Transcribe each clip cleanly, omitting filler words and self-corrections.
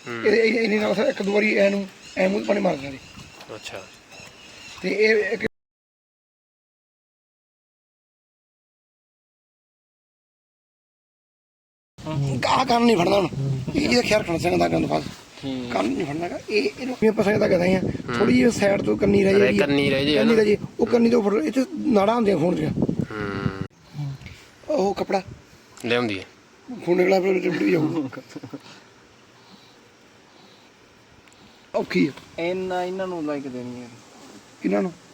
ਇਹਨੇ ਨਾਲ ਇੱਕ ਦੋ ਵਾਰੀ ਐਨੂੰ ਐ ਮੂੰਹ ਪਾਣੀ ਮਾਰ ਦਿੰਦੇ। ਅੱਛਾ ਤੇ ਇਹ ਆਹ ਕੰਨ ਨਹੀਂ ਫੜਨਾ ਹੁਣ, ਇਹਦਾ ਖਿਆਲ ਰੱਖਣਾ ਚਾਹੀਦਾ ਕੰਨ ਫਸ ਕੰਨ ਨਹੀਂ ਫੜਨਾ ਗਾ। ਇਹਨੂੰ ਆਪਾਂ ਸਕਦਾ ਕਹਦੇ ਆ ਥੋੜੀ ਜਿਹੀ ਸਾਈਡ ਤੋਂ ਕੰਨੀ ਰਹਿ ਜਾਏਗੀ, ਕੰਨੀ ਰਹਿ ਜੇ ਕੰਨੀ ਰਹਿ ਜੇ ਉਹ ਕੰਨੀ ਤੋਂ ਫੜ। ਇਹ 'ਚ ਨਾੜਾਂ ਹੁੰਦੀਆਂ ਖੂਨ ਦੀਆਂ, ਉਹ ਕੱਪੜਾ ਲਿਆਉਂਦੀ ਹੈ ਖੂਨ ਨਿਕਲਿਆ ਫਿਰ ਟਿਪੜੀ ਜਾਊ, ਔਖੀ ਆ ਇਹਨਾਂ ਨੂੰ ਲਾਈਕ ਦੇਣੀ ਹੈ ਇਹਨਾਂ ਨੂੰ।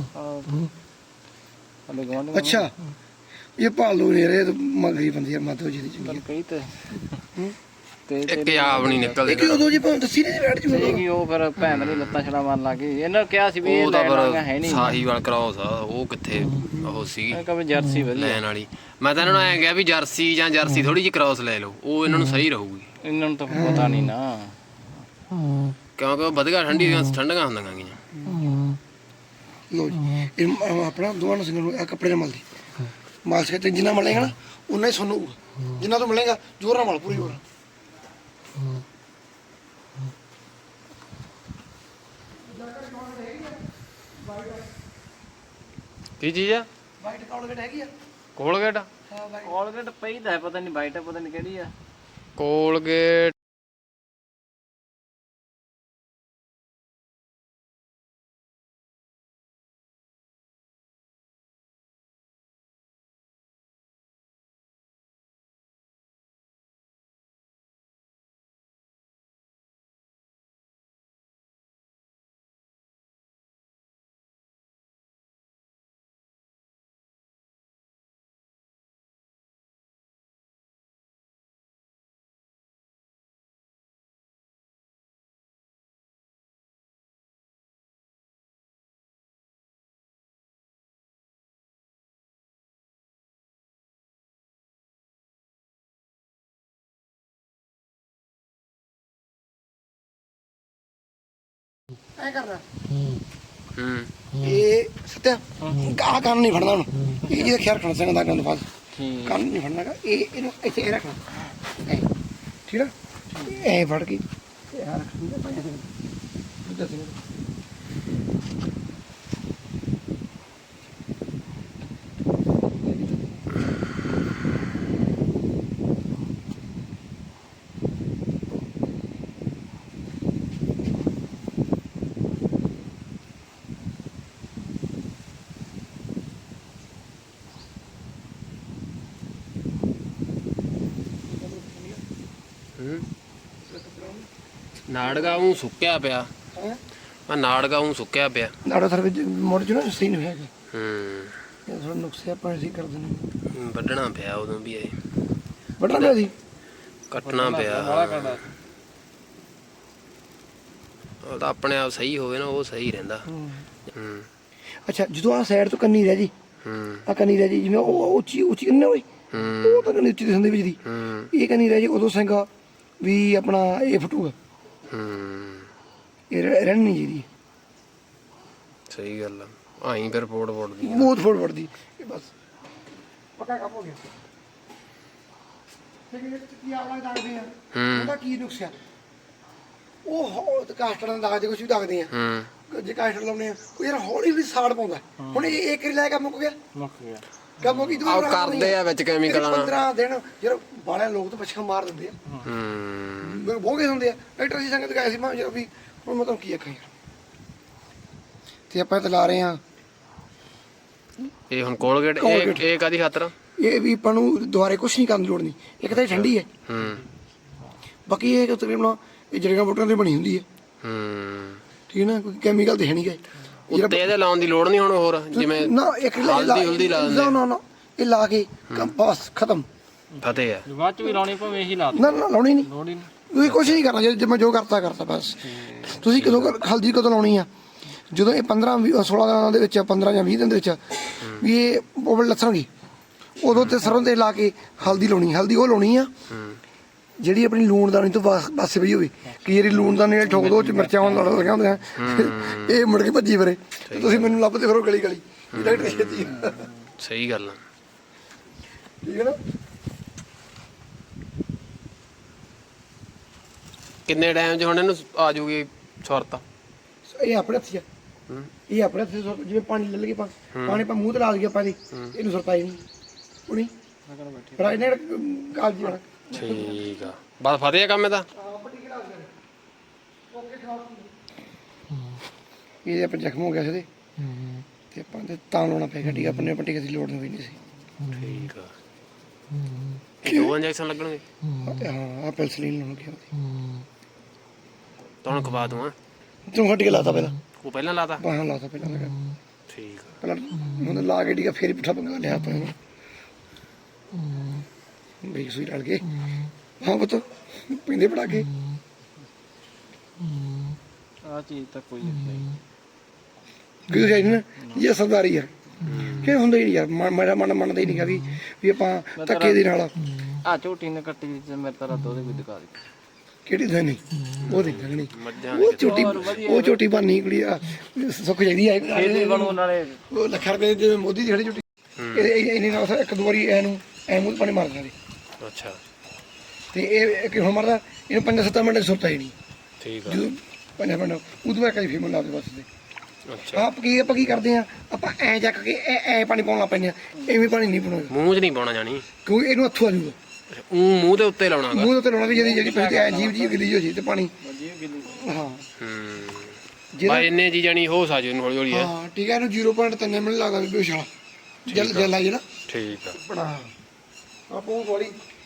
ਹਲੇ ਗਵਾਂਢ ਅੱਛਾ ਇਹ ਭਾਲੂ ਨਹੀਂ ਰਹੇ ਮਗਰੀ ਬੰਦੀ ਆ ਮਾਧੋ ਜੀ ਦੀ ਚੰਗੀ ਕਹੀ ਤੇ ਇੱਕ ਆਪ ਨਹੀਂ ਨਿਕਲਦੇ ਕਿ ਉਦੋਂ ਜੀ ਦੱਸੀ ਨਹੀਂ ਬੈਠ ਜੂ ਕਿ ਉਹ ਫਿਰ ਭੈਣ ਨੇ ਲੱਤਾਂ ਛੜਾ ਮਾਰਨ ਲੱਗ ਗਈ। ਇਹਨਾਂ ਕਿਹਾ ਸੀ ਵੀ ਇਹ ਉਹ ਤਾਂ ਲੈਣਾ ਹੈ ਪਰ ਨਹੀਂ, ਸਾਹੀਵਾਲ ਕ੍ਰਾਸ ਆ ਉਹ ਕਿੱਥੇ ਉਹ ਸੀਗੀ ਕਦੇ ਜਰਸੀ ਵਧੀਆ ਲੈਣ ਵਾਲੀ। ਮੈਂ ਤਾਂ ਇਹਨਾਂ ਨੂੰ ਐਂ ਕਿਹਾ ਵੀ ਜਰਸੀ ਜਾਂ ਜਰਸੀ ਥੋੜੀ ਜਿਹੀ ਕ੍ਰਾਸ ਲੈ ਲਓ, ਉਹ ਇਹਨਾਂ ਨੂੰ ਸਹੀ ਰਹੂਗੀ। ਇਹਨਾਂ ਨੂੰ ਤਾਂ ਪਤਾ ਨਹੀਂ ਨਾ, ਕਿਉਂਕਿ ਉਹ ਵਧੀਆ ਠੰਡੀਆਂ ਹੁੰਦੀਆਂ ਗੀਆਂ। ਲੋ ਜੀ ਇਹ ਆਪਣਾ ਦੋਵਾਂ ਨੂੰ ਸਿੰਘਾਂ ਨੂੰ ਆਹ ਕੱਪੜੇ ਨਾਲ ਮਲਦੀ ਮਾਲਸ਼ ਤੇ ਜਿੰਨਾ ਮਲੇਗਾ ਨਾ ਉਨਾ ਹੀ ਸੁਣੂ, ਜਿੰਨਾ ਤੋਂ ਮਲੇਗਾ ਜ਼ੋਰ ਨਾਲ ਮਲ ਪੂਰੀ ਜ਼ੋਰ। ਕੀ ਚੀਜ਼ ਆ? ਵਾਈਟ ਕੋਲਗੇਟ ਹੈਗੀ ਆ? ਕੋਲਗੇਟ? ਹਾਂ ਵਾਈਟ ਕੋਲਗੇਟ ਪਈ ਤਾਂ ਹੈ, ਪਤਾ ਨਹੀਂ ਵਾਈਟ ਹੈ ਪਤਾ ਨਹੀਂ ਕਿਹੜੀ ਆ। ਕੋਲਗੇਟ ਐ ਕਰਨਾ ਹੂੰ ਇਹ ਸੱਤਿਆ ਆਹ ਕੰਨ ਨਹੀਂ ਫੜਨਾ ਹੁਣ, ਇਹ ਜਿਹਦਾ ਖਿਆਲ ਰੱਖਣਾ ਚਾਹੀਦਾ ਕੰਨ ਫਸ ਕੰਨ ਨਹੀਂ ਫੜਨਾ ਗਾ। ਇਹਨੂੰ ਇੱਥੇ ਇਹ ਰੱਖਣਾ ਐ ਠੀਕ ਆ, ਐ ਫੜ ਕੇ ਤੇ ਆ ਰੱਖਣਾ ਨਾੜਗਾ ਉਹ ਸੁੱਕਿਆ ਪਿਆ, ਆ ਨਾੜਗਾ ਉਹ ਸੁੱਕਿਆ ਪਿਆ। ਨਾੜਾ ਸਰ ਵਿੱਚ ਮੋੜ ਚ ਨਾ ਸਹੀ ਨਹੀਂ ਹੈਗਾ, ਹੂੰ ਇਹ ਥੋੜਾ ਨੁਕਸੇ ਆਪਾਂ ਅਸੀਂ ਕਰ ਦਿੰਦੇ। ਵੱਢਣਾ ਪਿਆ ਉਦੋਂ ਵੀ ਇਹ ਵੱਢਣਾ ਪਿਆ ਸੀ, ਕੱਟਣਾ ਪਿਆ। ਉਹ ਤਾਂ ਆਪਣੇ ਆਪ ਸਹੀ ਹੋਵੇ ਨਾ ਉਹ ਸਹੀ ਰਹਿੰਦਾ। ਹੂੰ ਅੱਛਾ ਜਦੋਂ ਆਹ ਸਾਈਡ ਤੋਂ ਕੰਨੀ ਰਹਿ ਜੀ, ਹੂੰ ਆਹ ਕੰਨੀ ਰਹਿ ਜੀ ਜਿਵੇਂ ਉਹ ਉੱਚੀ ਉੱਚੀ ਕੰਨੀ ਨਾ ਹੋਏ, ਉਹ ਤਾਂ ਕੰਨੀ ਉੱਚੀ ਦਿਸਦੀ ਵਿੱਚ ਦੀ, ਇਹ ਕੰਨੀ ਰਹਿ ਜੀ ਉਦੋਂ ਸਿੰਘਾ ਵੀ ਆਪਣਾ ਇਹ ਫਟੂਗਾ, ਇਹ ਰਹਿਣ ਨਹੀਂ ਜਿਹਦੀ। ਸਹੀ ਗੱਲ ਆ, ਆਈ ਫਿਰ ਫੋੜ ਫੋੜਦੀ ਬਹੁਤ ਫੋੜ ਫੜਦੀ ਇਹ ਬਸ ਪੱਕਾ ਕੰਮ ਹੋ ਗਿਆ। ਕੀ ਆਵਲਾ ਦਾਗਦੇ ਆ ਉਹਦਾ ਕੀ ਨੁਕਸਿਆ, ਉਹ ਕਾਸਟਰ ਦਾ ਦਾਗਦੇ ਕੁਛ ਵੀ ਦਾਗਦੇ ਆ, ਜੇ ਕਾਸਟਰ ਲਾਉਣੇ ਆ ਉਹ ਯਾਰ ਹੌਲੀ ਹੌਲੀ ਸਾੜ ਪਾਉਂਦਾ। ਹੁਣ ਇਹ ਇੱਕ ਲੈ ਕੇ ਮੁੱਕ ਗਿਆ ਕੰਮ ਹੋ ਗਈ। ਆਹ ਕਰਦੇ ਆ ਵਿੱਚ ਕੈਮੀਕਲਾਂ ਨਾਲ 15 ਦਿਨ ਯਾਰ ਬਾਲਿਆ ਲੋਕ ਤਾਂ ਪਛਾ ਮਾਰ ਦਿੰਦੇ ਆ, ਬਹੁਤ ਹੁੰਦੇ ਆ। ਡਾਕਟਰ ਜੀ ਸੰਗਤ ਗਏ ਸੀ ਮੈਂ ਯਾਰ ਵੀ ਹੁਣ ਮੈਂ ਤੁਹਾਨੂੰ ਕੀ ਆਖਾਂ ਯਾਰ। ਤੇ ਆਪਾਂ ਤਾਂ ਲਾ ਰਹੇ ਹਾਂ ਇਹ ਹੁਣ ਕੋਲਗੇਟ, ਇਹ ਕਾਦੀ ਖਾਤਰ? ਇਹ ਵੀ ਆਪਾਂ ਨੂੰ ਦੁਬਾਰੇ ਕੁਛ ਨਹੀਂ ਕਰਨ ਦੀ ਲੋੜ ਨਹੀਂ, ਇੱਕ ਤਾਂ ਇਹ ਠੰਡੀ ਹੈ, ਬਾਕੀ ਇਹ ਤਕਰੀਬਨ ਇਹ ਜੜੀਆਂ ਬੂਟੀਆਂ ਦੀ ਬਣੀ ਹੁੰਦੀ ਹੈ, ਠੀਕ ਹੈ ਨਾ, ਕੋਈ ਕੈਮੀਕਲ ਤੇ ਹੈ ਨਹੀਂ ਗਏ। ਉੱਤੇ ਇਹਦੇ ਲਾਉਣ ਦੀ ਲੋੜ ਨਹੀਂ ਹੁਣ ਹੋਰ, ਜਿਵੇਂ ਨਾ ਇੱਕ ਹਲਦੀ ਲਾ ਦਿੰਦੇ। ਨਾ ਇਹ ਲਾ ਕੇ ਬਸ ਖਤਮ। ਫਤਿਹ ਆ ਬਾਅਦ ਚ ਵੀ ਲਾਉਣੀ ਭਾਵੇਂ ਇਹੀ ਲਾ ਨਾ ਲਾਉਣੀ ਨਹੀਂ, ਲੋੜ ਹੀ ਨਹੀਂ, ਤੁਸੀਂ ਕੁਛ ਨਹੀਂ ਕਰਨਾ, ਜੇ ਮੈਂ ਜੋ ਕਰਤਾ ਬਸ। ਤੁਸੀਂ ਕਦੋਂ ਹਲਦੀ ਕਦੋਂ ਲਾਉਣੀ ਆ, ਜਦੋਂ ਇਹ 15-16 ਦਿਨਾਂ ਦੇ ਵਿੱਚ, 15 ਜਾਂ 20 ਦਿਨ ਦੇ ਵਿੱਚ ਵੀ ਇਹ ਬੋਬਲ ਲੱਥਣਗੇ, ਉਦੋਂ ਤੇ ਸਰੋਂ ਦੇ ਲਾ ਕੇ ਹਲਦੀ ਲਾਉਣੀ। ਹਲਦੀ ਉਹ ਲਾਉਣੀ ਆ ਜਿਹੜੀ ਆਪਣੀ ਲੂਣਦਾਨੀ ਤੋਂ ਪਾਸੇ ਪਈ ਹੋਵੇ, ਕਿ ਜਿਹੜੀ ਲੂਣਦਾਨੀ ਨਾਲ ਠੋਕ ਦੋ ਚ ਮਿਰਚਾਂ ਹੋਣ ਲੱਗੀਆਂ ਹੁੰਦੀਆਂ, ਇਹ ਮੁੜ ਕੇ ਭੱਜੀ ਫਿਰੇ ਤੇ ਤੁਸੀਂ ਮੈਨੂੰ ਲੱਭਦੇ ਫਿਰੋ ਗਲੀ ਗਲੀ। ਸਹੀ ਗੱਲ ਆ, ਠੀਕ ਹੈ ਨਾ। ਕਿੰਨੇ ਟਾਈਮ 'ਚ ਹੁਣ ਇਹਨੂੰ ਆ ਜੂਗੀ ਸੁਰਤ? ਇਹ ਆਪਣੇ ਹੱਥ 'ਚ ਆ। ਹੂੰ। ਇਹ ਆਪਣੇ ਹੱਥ 'ਚ ਜਿਵੇਂ ਪਾਣੀ ਲੈ ਲਈਏ ਪਾਣੀ ਆਪਾਂ ਮੂੰਹ ਤੇ ਲਾ ਦਈਏ ਆਪਾਂ ਇਹਨੂੰ ਸੁਰਤਾਈ ਨਹੀਂ ਹੁਣੀ ਪਰ ਇਹਨੇ ਕਾਲ ਜੀ ਠੀਕ ਆ, ਬਸ ਫਤਿਹ ਆ ਕੰਮ ਇਹਦਾ। ਇਹ ਆਪਾਂ ਜ਼ਖਮ ਹੋ ਗਿਆ ਸੀ ਤੇ ਆਪਾਂ ਤੇ ਤਾਂ ਲਾਉਣਾ ਪਿਆ ਗੱਡੀ ਆਪਣੇ ਪੱਟੀ ਕਿਸੇ ਲੋੜ ਨਹੀਂ ਸੀ। ਠੀਕ ਆ। 2 ਇੰਜੈਕਸ਼ਨ ਲੱਗਣਗੇ? ਹਾਂ ਆ ਪੈਨਸਲੀਨ ਲਾਉਣ ਗਿਆ ਤੁਹਾਨੂੰ ਖਵਾ ਦੂੰ ਆ। ਤੂੰ ਹੱਟ ਕੇ ਲਾਤਾ ਪਹਿਲਾਂ? ਉਹ ਪਹਿਲਾਂ ਲਾਤਾ? ਬਾਹਾਂ ਲਾਤਾ ਪਹਿਲਾਂ ਲਗਾ ਠੀਕ ਆ। ਪਹਿਲਾਂ ਉਹਨੇ ਲਾ ਕੇ ਡੀਗਾ ਫੇਰ ਹੀ ਪੁੱਠਾ ਪੰਗਾ ਲਿਆ ਆਪਾਂ ਨੂੰ ਬਈ ਸੂਈ ਲੜ ਕੇ ਹਾਂ ਪੁੱਤ ਪਿੰਦੇ ਪੜਾ ਕੇ ਆ ਚੀਜ਼ ਤਾਂ ਕੋਈ ਨਹੀਂ ਕਿਉਂ ਜਾਈ ਨਾ ਇਹ ਸਰਦਾਰੀ ਆ ਕਿ ਹੁੰਦਾ ਹੀ ਨਹੀਂ ਯਾਰ ਮੇਰਾ ਮਨ ਮੰਨਦਾ ਹੀ ਨਹੀਂਗਾ ਵੀ ਆਪਾਂ ਧੱਕੇ ਦੇ ਨਾਲ ਆ ਝੋਟੀ ਨੇ ਕੱਟੀ ਤੇ ਮੇਰੇ ਤਾਂ ਰੱਦ ਉਹਦੇ ਵੀ ਦਿਖਾ ਦੇ ਕਿਹੜੀ ਦੇਣੀ ਉਹ ਦੇਖਣੀ ਮੱਝਾਂ ਉਹ ਝੋਟੀ ਬਾਨੀ ਕੁੜੀ ਆ ਸੁੱਖ ਜਾਂਦੀ ਆ ਖੇਤੀ ਬਣੂ ਨਾਲੇ ਉਹ ਲੱਖਾਂ ਰੁਪਏ ਦੇ ਮੋਦੀ ਦੀ ਖੜੀ ਝੋਟੀ ਇਹਨੇ ਨਾਲ ਇੱਕ ਦੋ ਵਾਰੀ ਇਹਨੂੰ ਐ ਮੂੰਹ ਪਾਣੀ ਮਾਰ ਦਿੰਦੇ ਅੱਛਾ ਤੇ ਇਹ ਕਿਉਂ ਮਰਦਾ ਇਹਨੂੰ 5-7 ਮਿੰਟ ਸੁਰਤਾ ਹੀ ਨਹੀਂ ਠੀਕ ਆ। ਜਦੋਂ 5 ਮਿੰਟ ਉਦੋਂ ਬਾਅਦ ਕਈ ਫੀਮਲ ਲਾਦੇ ਬਸ ਦੇ ਅੱਛਾ, ਆਪਾਂ ਕੀ ਕਰਦੇ ਆ ਆਪਾਂ ਐ ਚੱਕ ਕੇ ਐ ਪਾਣੀ ਪਾਉਣ ਲੱਗ ਪੈਂਦੇ ਆ ਐਵੇਂ ਪਾਣੀ ਨਹੀਂ ਪਾਉਣਾ ਮੂੰਹ 'ਚ ਨਹੀਂ ਪਾਉਣਾ ਜਾਣੀ, ਕਿਉਂਕਿ ਇਹਨੂੰ ਹੱਥੋਂ ਆ ਜੂਗਾ ਮੂੰਹ ਦੇ ਉੱਤੇ ਲਾਉਣਾ ਗਾ। ਮੂੰਹ ਦੇ ਉੱਤੇ ਲਾਉਣਾ ਵੀ ਜਿਹੜੀ ਪੈਂਦੀ ਐ ਜੀਵ ਗਿੱਲੀ ਹੋ ਜੀ ਤੇ ਪਾਣੀ ਹਾਂ ਬਾ ਇੰਨੇ ਜੀ ਜਾਣੀ ਹੋ ਸਾਜੂ ਨੂੰ ਹੌਲੀ ਹੌਲੀ ਹੈ। ਹਾਂ ਠੀਕ ਹੈ ਇਹਨੂੰ 0.3 ਮਿੰਟ ਲੱਗਦਾ ਵੀ ਬੇਸ਼ਾਲਾ ਜਲ ਆਈ ਨਾ ਠੀਕ ਆ। ਬਣਾ ਆਪੋ ਵਾਲੀ